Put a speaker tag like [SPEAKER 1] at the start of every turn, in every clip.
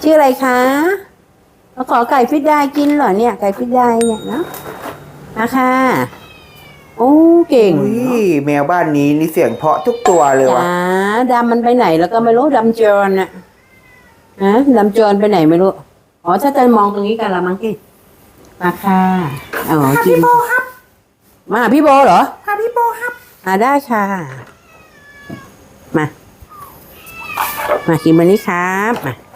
[SPEAKER 1] ชื่ออะไรคะมาขอไก่ฟิตได้กินเหรอเนี่ยไก่ฟิตได้เนี่ยเนาะนะคะโอ้เก่ง
[SPEAKER 2] อุ้ยแมวบ้านนี้นี่เสียงเพราะทุกตัวเลยวะ
[SPEAKER 1] จ๋าดำมันไปไหนแล้วก็ไม่รู้ดำจรน่ะฮะดำจรไปไหนไม่รู้อ๋อถ้าจะมองตรงนี้กันละมั้งกี้มาค่ะอ๋อกินมาพี่โบเหรอพี่โบครับได้ค่ะมากินวันนี้ครับ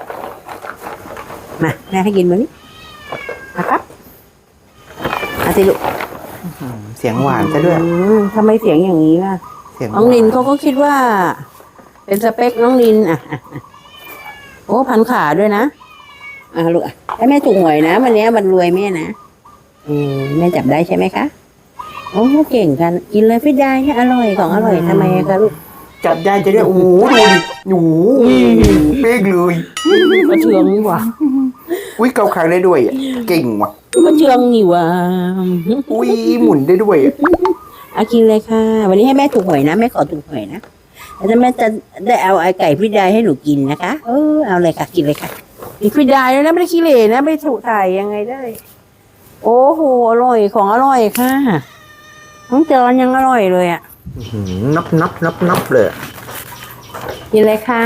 [SPEAKER 1] มาแม่ให้กินวันนี้มาครับมาสิลูก
[SPEAKER 2] เสียงหวานซะด้วย
[SPEAKER 1] ทำไมเสียงอย่างนี้ล่ะ
[SPEAKER 2] เสียงหวา
[SPEAKER 1] น้องนินเขาก็คิดว่า เป็นสเปคน้องนินโอ้พันขาด้วยนะลูกให้แม่ถูกหวยนะวันนี้มันรวยแม่นะแม่จับได้ใช่ไหมคะโอ้เก่งกันกินเลยฟิตได้เนี่ยอร่อยของอร่อยทำไมคะลูก
[SPEAKER 2] จับได้จะได้โอ้โหดูดิหนูเป๊กเลย
[SPEAKER 1] กระเชืองนี่หว่า
[SPEAKER 2] อุ้ยเกาคางได้ด้วยอะเก่งว่ะ
[SPEAKER 1] กระเชืองนี่หว่า
[SPEAKER 2] อุ้ยหมุนได้ด้วยอะ
[SPEAKER 1] กินเลยค่ะ วันนี้ให้แม่ถูกหวยนะแม่ขอถูกหวยนะแล้วแม่จะได้เอาไอไก่ฟิตได้ให้หนูกินนะคะเอาเลยค่ะกินเลยค่ะกินฟิตได้แล้วนะไม่ได้ขี้เหร่นะไม่ถูกถ่ายยังไงได้ โอ้โหอร่อยของอร่อยค่ะน้องจอนยังอร่อยเลยอ่ะ
[SPEAKER 2] นับเลยอะ
[SPEAKER 1] กินเลยค่ะ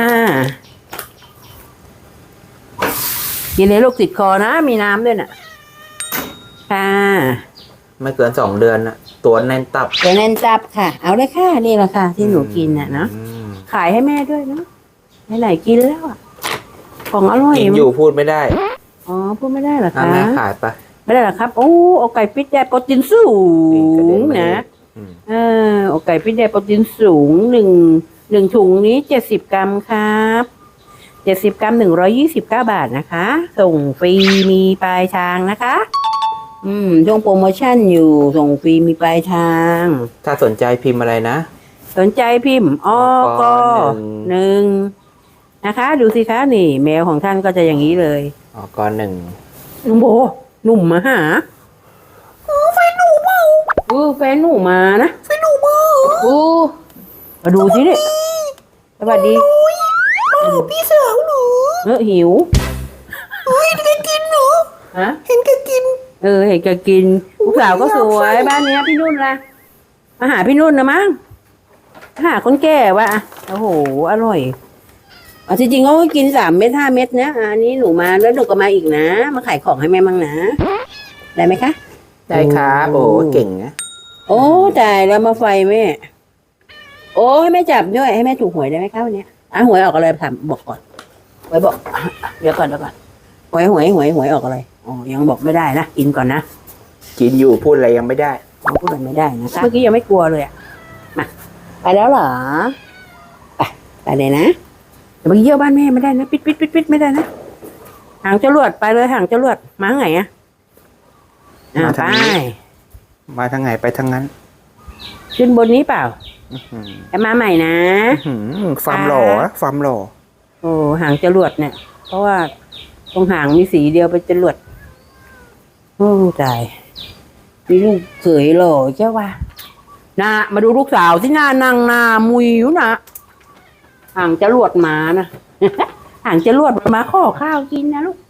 [SPEAKER 1] กินเลยลูกติดคอนะมีน้ำด้วยน่ะค่ะ
[SPEAKER 2] ไม่เกิน2 เดือนนะตัวแน่นตับ
[SPEAKER 1] เดี๋ยวแน่นจับค่ะ เอาเลยค่ะนี่แหละค่ะที่หนูกินน่ะเนาะ
[SPEAKER 2] อืม
[SPEAKER 1] ขายให้แม่ด้วยเนาะไหนๆกินแล้วอ่ะของอร่อย
[SPEAKER 2] กินอยู่พูดไม่ได้
[SPEAKER 1] อ๋อพูดไม่ได้เหรอ
[SPEAKER 2] ถ้า
[SPEAKER 1] คะ
[SPEAKER 2] แม่ขายไป
[SPEAKER 1] ไม่ได้เหรอครับโอ้เอาไก่ฟิตได้โปรตีนสูงนะ
[SPEAKER 2] อืม
[SPEAKER 1] เอาไก่ฟิตได้โปรตีนสูงหนึ่งถุงนี้70 กรัมครับ70 กรัม129 บาทนะคะ ส่งฟรีมีปลายทางนะคะช่วงโปรโมชั่นอยู่ส่งฟรีมีปลายทาง
[SPEAKER 2] ถ้าสนใจพิมพ์อะไรนะ
[SPEAKER 1] สนใจพิมพ์อกหนึ่งนะคะ ดูสิคะนี่แมวของท่านก็จะอย่างนี้เลย
[SPEAKER 2] ก่อน1
[SPEAKER 1] ลุงโบหนุ่มมาหาแฟนหนูเปล่าแฟนหนูมานะแฟนหนูมามาดูสิเนี่ยสวัสดีพี่สาวหนูหิวเห็นแกกินหนูฮะเห็นแกกินเห็นแกกินลูกสาวก็สวยบ้านเนี้ยพี่นุ่นล่ะมาหาพี่นุ่นนะมั้งหาคนแก่วะโอ้โหอร่อยจริงๆเขากิน3 เม็ด5 เม็ดนะอันนี้หนูมาแล้วหนูก็มาอีกนะมาขายของให้แม่มั่งนะได้ไหมคะ
[SPEAKER 2] ได้ครับโอ้เก่งนะ
[SPEAKER 1] โอ้จ่ายแล้วมาไฟแม่โอ้ให้แม่จับด้วยให้แม่ถูกหวยได้ไหมคะวันนี้หวยออกอะไรถามบอกก่อนหวยบอกเดี๋ยวก่อนหวยออกอะไรยังบอกไม่ได้นะกินก่อนนะ
[SPEAKER 2] กินอยู่พูดอะไรยังไม่ได้
[SPEAKER 1] พูดอะไรไม่ได้นะคะเมื่อกี้ยังไม่กลัวเลยมาไปแล้วเหรอไปเลยนะแต่เมื่อกี้เยี่ยวบ้านแม่ไม่ได้นะปิดไม่ได้นะหางจรวดไปเลยหางจรวดมาไงไป
[SPEAKER 2] มาทางไหนไปทางนั้น
[SPEAKER 1] ขึ้นบนนี้เปล่าจะมาใหม่นะ
[SPEAKER 2] ฟาร์มหล่อฟาร์มหล่อ
[SPEAKER 1] โอ้หางจรวดเนี่ย เพราะว่าตรงหางมีสีเดียวเป็นจรวดโอ้ตายมีลูกเขยหล่อเจ้าว่านะมาดูลูกสาวที่หน้านางนามุยอยู่นะหางจรวดมานะ หางจรวดมาขอข้าวกินนะลูก